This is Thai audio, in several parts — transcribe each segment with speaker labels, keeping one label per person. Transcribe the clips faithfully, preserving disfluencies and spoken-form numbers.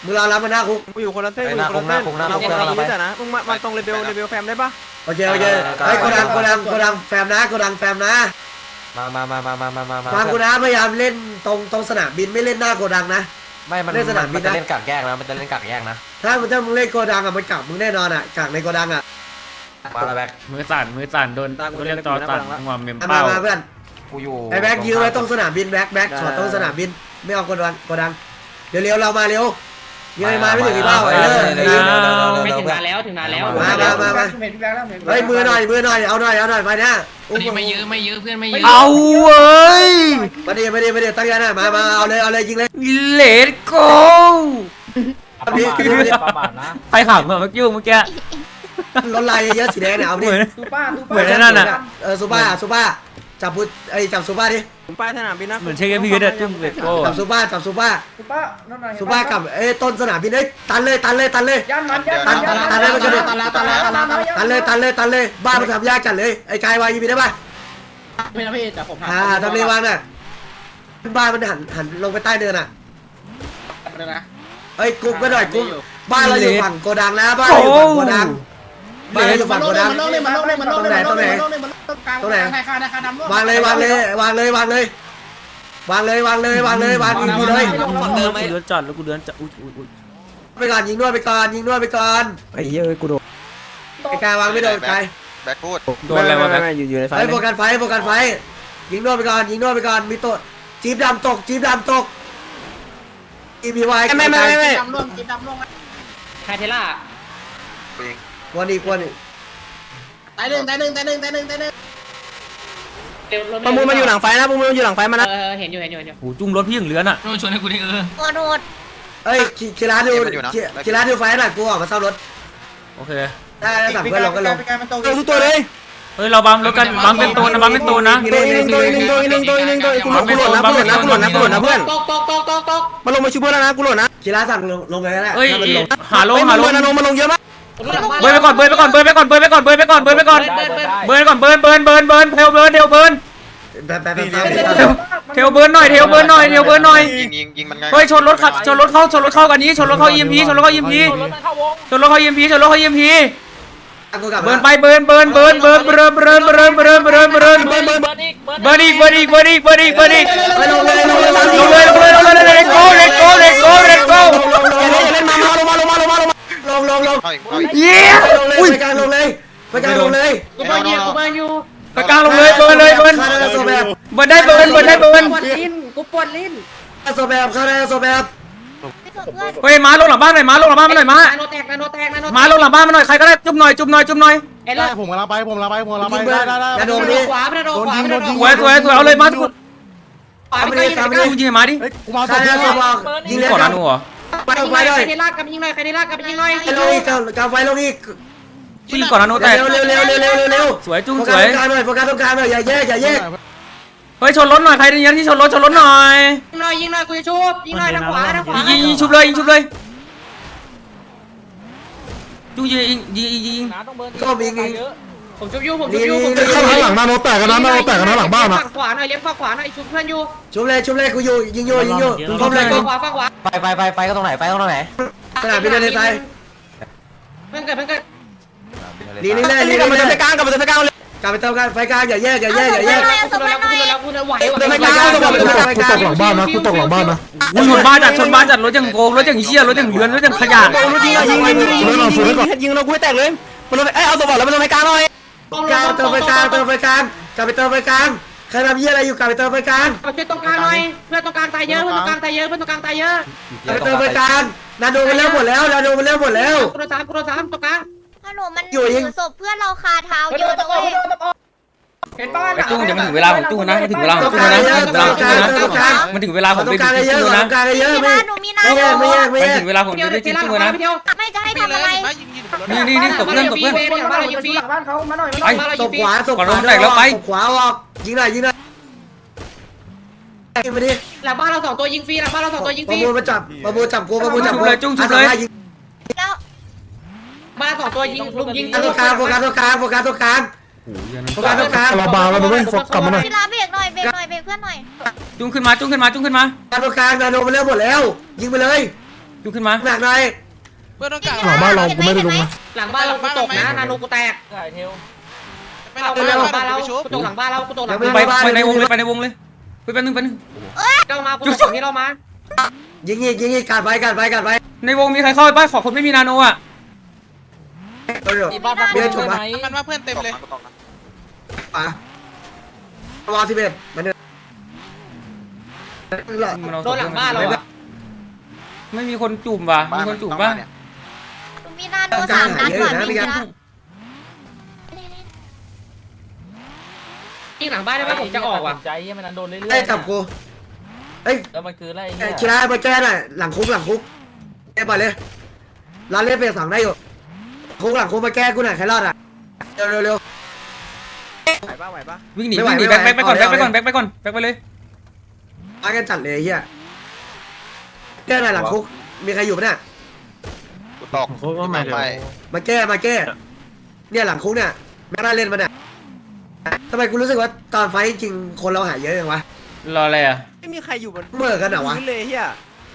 Speaker 1: มึงรอรับมาหน้าคุก
Speaker 2: กูอยู่คนละเส้นกูอยู่คนละเส้นเราคนละเส้นนะมึงมามาตรงเลเวลเลเวลแฟมได้ปะ
Speaker 1: โอเคโอเคไอ้โกดังโกดังโกดังแฟมนะโกดังแฟมนะ
Speaker 3: มามามามามามามา
Speaker 1: ฟังกูนะพยายามเล่นตรงตรงสนามบินไม่เล่นหน้าโกดังนะ
Speaker 3: ไม่มันเล่นสนามบินนะมันจะเล่นกักแยกนะมันจะเล่นกักแยกนะ
Speaker 1: ถ้ามึงถ้ามึงเล่นโกดังอ่ะมันกักมึงแน่นอนอ่ะกักในโกดังอ่ะ
Speaker 3: มาแล้วแบ็ค
Speaker 4: มือสั่นมือสั่นโดนโดนเรียกจอสั่นงอมเมม
Speaker 1: มา
Speaker 4: เป้า
Speaker 1: มาเพื่อน
Speaker 3: กูอยู่
Speaker 1: ไอ้แบ็คยืนไว้ตรงสนามบินแบ็คแบ็คช็อตตรงสนามบินไม่เอาโกดังโกดังเดี๋ยวเร็วเรามาเร็วยังไงมาไม่ถึงที่เป้าไอ้เลิศ
Speaker 5: ไม่ถึงนานแล้วถึงนานแล้ว
Speaker 1: มามามามาเฮ้ยมือหน่อยมือหน่อยเอาหน่อยเอาหน่อยไปเนี่ย
Speaker 5: ไม่ยื้อไม่ยื้อเพื่อนไม่ยื้อ
Speaker 4: เอาเว้ย
Speaker 1: มาดิมาดิมาดิตั้งใจนะมามาเอาเลยเอาเลยยิงเลย
Speaker 4: เลดโก้ใครขับเมื่อกี้เมื่อกี้
Speaker 1: รถลายเยอะสีแดงเนี่ยเอาดิ
Speaker 4: เหมือนนั่นน่ะ
Speaker 1: เออซูป้าซูป้าจับพุไอ้จับซูป้าดิ
Speaker 2: ผมไปสนามบินนะ
Speaker 4: เหมือนเช็คพี่ก็ได้จุ่มเลดโก้
Speaker 1: จับซูป้าจับซูป้าซูป้าซูป้ากับเอ้ต้นสนามบินเอ้ตันเลยตันเลยตันเลยตันตันตันเลยมันจะตันเลยตันเลยตันเลยตันเลยตันเลยบ้านมันทำยากจัดเลยไอ้กายวายยิงได้ป่ะ
Speaker 5: ไม่นะพี่แต่ผม
Speaker 1: อ่าทำเลวางน่ะบ้านมันหันหันลงไปใต้เนินอ่ะเอ้ยกุ๊บก็หน่อยกุ๊บบ้านเราอยู่ฝั่งโกดังนะบ้านเราอยู่ฝั่งโกดังบ้านเราอยู่ฝั่งโกดังตรงไหนตรงไหนตรงไหนวางเลยวางเลยวางเลยวางเลยวางเลยวางเลยวางเลยวางดีเลย
Speaker 4: กูเดือนจัดแล้วกูเดือนจัดอุ้ยอุ้ยอุ้ย
Speaker 1: ไปก่อนยิงนวดไปก่อนยิงนวดไปก่อน
Speaker 3: ไอ้เหี้ยกูโดน
Speaker 1: ไอ้กายวางไม่โดนใคร
Speaker 6: แบ็คพูด
Speaker 4: โดนอะไรวะแบ็ค
Speaker 3: อยู่อยู่ในไฟ
Speaker 1: ไอ้โฟกัสไฟโฟกัสไฟยิงนวดไปก่อนยิงนวดไปก่อนมีตัวจี๊บดำตกจี๊บดำตกอีพีวาย
Speaker 3: ไม่ไม่ไม่ไม่
Speaker 5: ดำร่วงจีบดำร่วงไฮเทล่า
Speaker 1: วันอีกวันอีก
Speaker 5: ตายหนึ่งตายหนึ่งตายหนึ่งตายหนึ่งตายหนึ่ง
Speaker 2: ประมูลมันอยู่หลังไฟนะประมูลมันอยู่หลังไฟมานะ
Speaker 5: เออเห็นอยู่เห็นอยู่เห็นอยู่
Speaker 4: โหจุ่มรถพี่อย่างเลือนอ่ะ
Speaker 5: โดนชนให้กูดิเออ
Speaker 7: โอโดด
Speaker 1: เอ้ยคีร้านดูคีร้านดูไฟหน่อยกูออกมาซ่อมรถ
Speaker 4: โอเค
Speaker 1: ได้สั่งเพื่อนลงก็ลง
Speaker 2: ตัวทุกตัวเลย
Speaker 4: เฮ้ยเราบัมรถกันบัมเป็นตัวนะบัมเป็นตัวนะ
Speaker 2: ตัวนึงตัวนึงตัวนึงตัวนึงตัวกูหล่นนะกูหล่นนะกูหล่นนะกูหล่นนะเพื่อน
Speaker 5: ตกตกตกตกตก
Speaker 2: มาลงมาช่วยเพื่อนแล้วนะกูหล่นนะ
Speaker 1: คีร้านสั่งลงลงไปแล้วแหละ
Speaker 4: เฮ้ยหาลงหาลง
Speaker 2: มาลงมาลงเยอะมาก
Speaker 4: เบิร์นไปก่อนเบิร์นไปก่อนเบิร์นไปก่อนเบิร์นไปก่อนเบิร์นไปก่อนเบิร์นไปก่อนเบิร์นก่อนเบิร์นเบิร์นเบิร์นเบิร์นเทลเบิร์นเทลเบิร์นเทลเบิร์นหน่อยเทลเบิร์นหน่อยเทลเบิร์นหน่อย
Speaker 6: ยิงยิงยิงมันไง
Speaker 4: เฮ้ยชนรถขับชนรถเข้าชนรถเข้ากันนี้ชนรถเข้า อี เอ็ม พี ชนรถเข้า อี เอ็ม พี ชนรถเข้า อี เอ็ม พี ชนรถเข้า อี เอ็ม พี เบิร์นไปเบิร์นเบิร์นเบิร์นเบิร์นเบิร์นเบิร์นเบิร์นเบิร์นเบิร์นเบิร์นเบิร์นเบิร์นเบิร์นอีกเบิร์นอีกเบิร์นอีกเบิร์นอีกเบิร์นอีกลงเลยลงเลยลงเลยลงเลยลงเลยเลตโก้เลตโก้เลตโก้เลตโก้
Speaker 2: อย่าเล่นอย่าเล่นมามาลงมาลงมาลงมาลงมา
Speaker 1: ลงลงลง
Speaker 4: เย้
Speaker 1: ลงเลยไปกลางลงเลยไปกลางลงเลย
Speaker 5: กูเบิร์นอยู่กูเบิร์นอยู่
Speaker 4: ไปกลางลงเลยเบิร์นเลยเบิร์นเบิร์นได้เบิร์นเบิร์นได้เบิร์น
Speaker 5: ปวดลิ้นกูปวดลิ้น
Speaker 1: โซแบบเข้าได้โซแบบ
Speaker 4: เฮ้ยมาลงหลังบ้านหน่อยมาลงหลังบ้านมาหน่อยมา
Speaker 5: โนแตกโนแตกโน
Speaker 4: มาลงหลังบ้านมาหน่อยใครก็ได้จุ่มหน่อยจุ่มหน่อยจุ่มหน่อย
Speaker 5: เอ้ย
Speaker 8: ผมกำลังไปผมกำลังไปผมกำลังไปได้ได้ได้
Speaker 1: กระโดดดิ
Speaker 5: ขวาไปโดนขวาไปโดน
Speaker 4: สวยสวยสวยเอาเลยมาทุกคน
Speaker 5: ขวาไปเลย
Speaker 4: ยิงยิงมาดิ
Speaker 8: กูมา
Speaker 1: เข้าได้โซแบบยิงเลย
Speaker 4: ก่อนนะหนูเหรอ
Speaker 1: ไปลงไฟเลย
Speaker 5: ใครได้ลากกับยิงหน่อยใครได้ลากกับยิงหน่อย
Speaker 1: ลงอีกกางไฟลงอีก
Speaker 4: ยิงก่อนนะหนูแต่
Speaker 1: เร็วเร็วเร็วเร็วเร็วเร็ว
Speaker 4: สวยจุ้ง
Speaker 1: โฟ
Speaker 4: ส
Speaker 1: กัส
Speaker 4: วย
Speaker 1: ตรงกลางหน่อยโฟกัสตรงกลางหน่อยอย่าแยกอย่าแยก
Speaker 4: เฮ้ยชนรถหน่อยใครที่ยันที่ชนรถชนรถหน่อย
Speaker 5: ยิงหน่อยยิงหน่อยกูจะชุบยิงหน่อยทางขวาทางขวา
Speaker 4: ยิงยิงชุบเลยยิงชุบเลยจุ้งยิงยิงยิงยิง
Speaker 1: ก็มียิง
Speaker 5: ผมชุบยูผมชุบยูผม
Speaker 8: ข้างหลังนาโนแตกกันนะนาโนแตกกันนะหลังบ้านนะ
Speaker 5: ฝั่งขวาหน่อยเลี้ยงฝั่งขวาหน่อยชุบเพื่อนยู
Speaker 1: ชุบเลยชุบเลยกูอยู่ยิงอยู่ยิงอยู่ก้มเลยก้
Speaker 5: ฝั่
Speaker 1: ม
Speaker 5: งขวาฝั่งขวา
Speaker 3: ไฟไฟไฟไฟก็ตรงไหนไฟก็ตรงไหน
Speaker 1: สนามบินในใจ
Speaker 5: เพื่อนเกิดเพื่อนเกิด
Speaker 1: ลีนี่เลยลี
Speaker 2: กลับมา
Speaker 1: นี่
Speaker 2: เดิน
Speaker 1: เล
Speaker 2: ไป
Speaker 1: ย
Speaker 2: กลางกลับมาเดินไปกลางเลย
Speaker 1: กลับไปเติมกันไฟกลางอย่าแยกอย่าแยกอย่าแยก
Speaker 5: กูโดนแล้วกูโดนแล้วกูโดนไหว
Speaker 2: เดินไปกลาง
Speaker 8: กูตกหลังบ้านนะกูตกหลังบ้านนะ
Speaker 4: อุ้ยชนบ้านจัดชนบ้านจัดรถอย่างโกงรถอย่างเชี่ยรถอย่างเลือนรถอย่างขยะ
Speaker 2: ยิงยิงยิงยิงยิงเรากูให้แตกเลยมันลงเอ้ยเอาตัวบอลแล้วมันลงไปกลางหน่อย
Speaker 1: กลางเติมไฟกลางเติมไฟกลางกลับไปเติมไฟกลางใครทำยี่อะไรอยู่กลับไปเติมไฟกลาง
Speaker 5: มาช่วยตรงกลางหน่อยเพื่อนตรงกลางตายเยอะเพื่อนตรงกลางตายเยอะเพื่อนตรงกลางตายเยอะ
Speaker 1: กลับไปเติมไฟกลางนาโดมันเร็วหมดแล้วนาโดมันเร็วหมดแล้ว
Speaker 5: กูโดนสามกูโดนสามตรงกลาง
Speaker 7: ฮัลโหลมันถือศพเพื่อนเราคาเท้าเยอะเลย
Speaker 5: เห็นป้า
Speaker 4: ไอ้จุ้งเดี๋ยวมันถึงเวลาผมจุ้งนะมันถึงเวลาผมจุ้งนะมันถึงเวลาผมจุ้งนะมันถึงเวลาผม
Speaker 1: ตร
Speaker 4: ได้
Speaker 1: งกลาง
Speaker 4: จุ้
Speaker 1: เยอะ
Speaker 4: ง
Speaker 1: ตร
Speaker 4: นะ
Speaker 1: งกลางเยอะ
Speaker 7: มี
Speaker 1: ไม่
Speaker 7: นาหนูมีนา
Speaker 1: ไม่แยกไม่แยกไม่
Speaker 4: มัน
Speaker 1: แยก
Speaker 4: ถึงเวลาผมได้จุ้งนะ
Speaker 7: ไม่จะให้ทำอะไร
Speaker 4: นี่นี่นี่ตบเพื่อนตบเพื่อน
Speaker 5: บ้านเรายิงฟรี
Speaker 4: ไอ้
Speaker 1: ตบขวาตบขวาขวาออกยิงหน่อยยิงหน่อยยิงไปดิ
Speaker 5: หลังบ้านเราสองตัวยิงฟรีหลังบ้านเราสองตัวยิงฟ
Speaker 1: ประ
Speaker 5: รี
Speaker 1: มูลมาจับประมูลจับกูประมูลจับกู
Speaker 4: เลยจุ้งชุบเลย
Speaker 7: แล้ว
Speaker 5: บ้านสองตัวยิงลุมยิง
Speaker 1: ตรงกลางโฟกัสตรงกลางโฟกัสตรงกลางโฟกัสตรงกลาง
Speaker 8: เราบาร์แล้วด้วยกลับมาหน่อย
Speaker 7: เวลาเบรกหน่อยเบรกหน่อยเบรกเพื่อนหน่อย
Speaker 4: จุ้งขึ้นมาจุ้งขึ้นมาจุ้งขึ้นมา
Speaker 1: ตรงกลางนาโดมันเร็วหมดแล้วยิงไปเลย
Speaker 4: จุกขึ้นมา
Speaker 1: หนักหน่อย
Speaker 7: เพื่อนต้องการ
Speaker 8: หลังบ้านเรากูไม่ได้ลงนะ
Speaker 5: หลังบ้านเรากูตกนะนาโนกูแตก
Speaker 7: ไม่
Speaker 5: หลั
Speaker 7: เอา
Speaker 5: ง
Speaker 7: ไม่
Speaker 5: บ้าน
Speaker 7: เอา
Speaker 5: เรา
Speaker 7: ไม่ชุบ
Speaker 5: กูตกหลังบ้านเรากูตกหลัง
Speaker 4: ไปไปในวงเลยไปในวงเลยไปแป๊บนึงแป๊บนึง
Speaker 5: เจ้ามากูตกฝั่งนี้เรามา
Speaker 1: ยิงอีกยิงอีกกัดไปกัดไปกัดไป
Speaker 4: ในวงมีใครเข้าไปบ้างขอคนไม่มีนาโนอ่ะ
Speaker 1: เดี๋ยวเดี๋ยวฉุบมา
Speaker 7: มันว่าเพื่อนเต็มเลย
Speaker 1: ป่ะวาสิบเอ็ดมันเนี่ย
Speaker 5: โดนหลังบ้านเราอะ
Speaker 4: ไม่มีคนจุ่มว่ะมีคนจุ่มป่ะ
Speaker 7: มีนาโนสามนัดก่อนพี่ละ
Speaker 5: ยิงหลังบ้านได้ไหมผมจะออกว่ะ
Speaker 2: ใจมันโดนเรื่อย
Speaker 1: ไอ้จับกูเอ้ย
Speaker 2: แล้วมันคืออะไร
Speaker 1: คิราไปแก้หน่อยหลังคุกหลังคุกแก้ไปเลยร้านเล่นเฟสสองได้อยู่คุกหลังคุกมาแก้กูหน่อยใครรอดอ่ะเร็วเร็วเร็ว
Speaker 2: ไหวปะไหวปะ
Speaker 4: วิ่งหนีวิ่งหนีแบ็คแบ็คไปก่อนแบ็คไปก่อนแบ็คไปก่อนแบ็คไปเลย
Speaker 1: มากันจัดเลยเฮียแก้หน่อยหลังคุกมีใครอยู่ปะเนี่ย
Speaker 7: กูตก
Speaker 8: เขาก็ไม่เดี๋ยว
Speaker 1: มาแก้มาแก้เนี่ยหลังคุกเนี่ยแม่น่าเล่นมาเนี่ยทำไมกูรู้สึกว่าตอนไฟจริงคนเราหายเยอะจังวะ
Speaker 4: รออะไรอ่ะ
Speaker 2: ไม่มีใครอยู่บน
Speaker 1: เมื่อกันเหรอวะ
Speaker 2: เลยเฮีย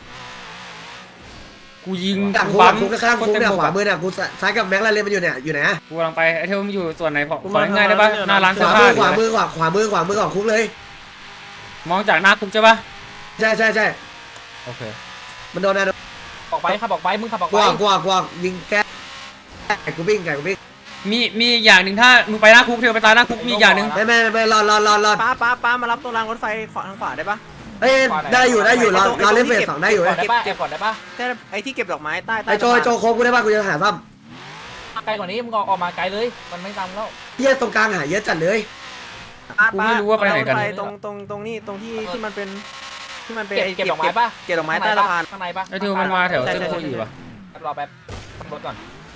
Speaker 4: กูยิง
Speaker 1: หลังคุกหลังคุกข้างคุกเนี่ยขวามือเนี่ยกูซ้ายกับแม็กลาเล่นมันอยู่เนี่ยอยู่ไหนอะ
Speaker 4: กูกำลังไปไอเทลมันอยู่ส่วนไหนขอของ่ายได้ป่ะหน้าร้าน
Speaker 1: ข
Speaker 4: เสื้อ
Speaker 1: วา
Speaker 4: ผ้า
Speaker 1: มือขวามือขวาขวามือขวามือของคุกเลย
Speaker 4: มองจากหน้าคุกใช่ป่ะ
Speaker 1: ใช่ใช่ใช่
Speaker 4: โอเค
Speaker 1: มันโดนนะ
Speaker 2: ออกไปขับออกไปมึงขับออก
Speaker 1: ก
Speaker 2: ไป
Speaker 1: วางกวางกวางยิงแก้ไก่กูวิ่งไก่กูวิ่ง
Speaker 4: มีมีอย่างหนึ่งถ้ามึงไปหน้าคุกเทลไปตายหน้าคุกมีอย่างหนึ่ง
Speaker 1: ไม่ไม่ไม่รอรอรอรอ
Speaker 2: ป้าป้าป้ามารับตรงรางรถไฟขวาทางขวาได้ปะ
Speaker 1: เอ้ยได้อยู่ได้อยู่รอรอเล่นเฟสสองได้อยู่
Speaker 2: เก็บเก็บก่อนได้ปะแค่ไอ้ที่เก็บดอกไม้ใต้ใต้
Speaker 1: ไอโจโจโคกูได้ป่ะกูจะหาซ้
Speaker 2: ไกลกว่านี้มึงออกมาไกลเลยมันไม่ตามแล้ว
Speaker 1: ำเยี่ยตรงกลางหาเยอะจัดเลย
Speaker 4: กูไม่รู้ว่าไปไหนกัน
Speaker 2: ตรงตรงตรงนี้ตรงที่ที่มันเป็นที่มันเป็นเก็บดอกไม้ปะเก็บดอกไม้ใต้สะพานข้างในปะ
Speaker 4: ไอเทลมันมาแถวเส้นโคอยู่ป่ะ
Speaker 2: รอแป๊บรถก่อน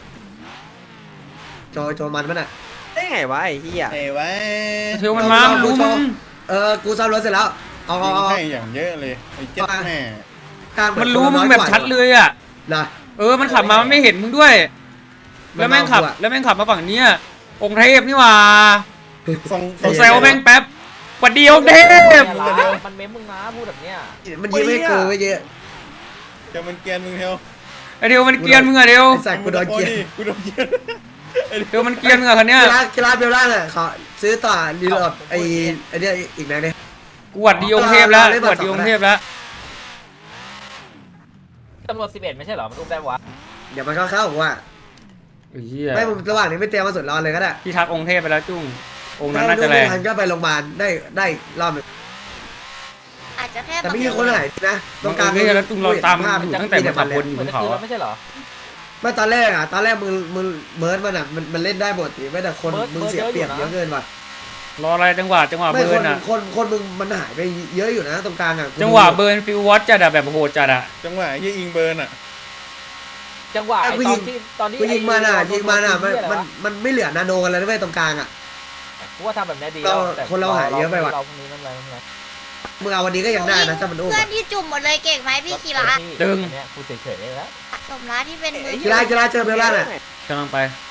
Speaker 1: โจโจมันมันอ่ะ
Speaker 2: ได้ไงวะไอ้เหี้ย
Speaker 6: ไอ้ไว้
Speaker 4: ไอเทลมันมารู้มึง
Speaker 1: เออกูซ่อมรถเสร็จแล้วเอาเอาเอา
Speaker 6: ให้อย่างเยอะเลยไอ้เจ็ดแม่
Speaker 1: กลาง
Speaker 4: มันรู้มึงแบบชัดเลยอ่ะ
Speaker 1: นะ
Speaker 4: เออมันขับมามันไม่เห็นมึงด้วย แล้วแม่งขับแล้วแม่งขับมาฝั่งนี้องค์เทพนี่หว่า
Speaker 6: ส่ง
Speaker 4: ผมแซวแม่งแป๊บหวัดดีองค์เทพ
Speaker 2: มันเม้มมึงนะพูดแบบเนี้ย
Speaker 1: มันยิ้มให้กูไม่เยอะ
Speaker 6: จะมันเกียนมึงเทว
Speaker 4: ไอเทลมันเกรียนมึงอะเทล
Speaker 1: ไอ้สัตว์กูโดนเกลียด
Speaker 6: กูโดนเกียน
Speaker 4: เทลมันเกรียนมึงอะคันเนี้ย
Speaker 1: กีฬากีฬาเบลล่าเนี่ยขอซื้อต่อรีโหลดไอ้ไอ้เนี่ยอีกไหนเนี่ย
Speaker 4: กูหวัดดีองค์เทพแล้วกูหวัดดีองค์เทพแล้ว
Speaker 2: ตำรวจสิบเอ็ดไม่ใช่เหรอมันอุ้มได้วะ
Speaker 1: เดี๋ยวมันเข้าเข้าผมว่า
Speaker 4: ไอ้เหี้ย
Speaker 1: ไม่ระหว่างนี้ไม่เตรียมมาสุดร้อนเลยก็ได้
Speaker 4: พี่ทักองค์เทพไปแล้วจุ้งองค์นั้น
Speaker 1: ถ้า
Speaker 4: น่า
Speaker 1: ดู
Speaker 4: จะแร
Speaker 1: ไม่
Speaker 4: ง
Speaker 1: ทันก็ไปโรงพยาบาลได้ได้รอบหนึง
Speaker 7: อาจจะแค่
Speaker 1: แต่ไม่มีคนหายนะตรงกลาง
Speaker 4: นี่แล้วจุ้งเราตาม
Speaker 1: ภาพ
Speaker 4: อยู่ตั้งแต่มันขับวนอยู่
Speaker 2: เห
Speaker 4: บ
Speaker 2: มือน
Speaker 4: น
Speaker 2: จะ
Speaker 4: เขา
Speaker 2: คืน
Speaker 4: อะ
Speaker 2: ไม่ใช่เหรอ
Speaker 1: เมื่อตอนแรกอ่ะตอนแรกมึงมึงเบิร์ดมันอ่ะมันมันเล่นได้หมดทีไม่แต่คน
Speaker 2: เบิร์ด
Speaker 1: มึงเสีย
Speaker 2: เบิร์ด
Speaker 1: เปรียบ
Speaker 2: เย
Speaker 1: เย
Speaker 2: อะ
Speaker 1: อะ
Speaker 2: อยู่นะ
Speaker 1: เกินว่ะ
Speaker 4: รออะไรจังหวะจังหวะ
Speaker 1: ไม่
Speaker 4: เบิ
Speaker 1: ค
Speaker 4: ร์
Speaker 1: น
Speaker 4: นอะ
Speaker 1: คนคนมึงมันหายไปเยอะอยู่นะตรงกลางอ่ะ
Speaker 4: จังหวะเบิร์นฟิววอตจัดอะแบบโหดจัดอะ
Speaker 6: จังหวะยี่อิงเบิร์นอ่ะ
Speaker 2: จังหวะไอ้ตอนที่ตอนที่
Speaker 1: กูยิงมันอ่ะยิงมันอ่ะมัน
Speaker 2: ไอ้
Speaker 1: มันมันไม่เหลือนาโนกันแล้วนะเว้ยตรงกลางอ่ะ
Speaker 2: กูว่าทำแบบนี้ดี
Speaker 1: เรา
Speaker 2: แต่
Speaker 1: คนเราหายเยอะไปว่ะ
Speaker 2: เราพรุ่งนี้นั่นอะไรนั่นอะไร
Speaker 1: มึงเอาวันนี้ก็ยังได้นะถ้ามันอุ้ม
Speaker 7: เพื่อนที่จุ่มหมดเลยเก่งไหมพี่คีระ
Speaker 2: เนี่ยกูเฉยๆเลยแล้ว
Speaker 7: สมรักที่เป็นมือ
Speaker 1: กีฬากีฬาเจอเบลล่าน่ะ
Speaker 4: กำลังไป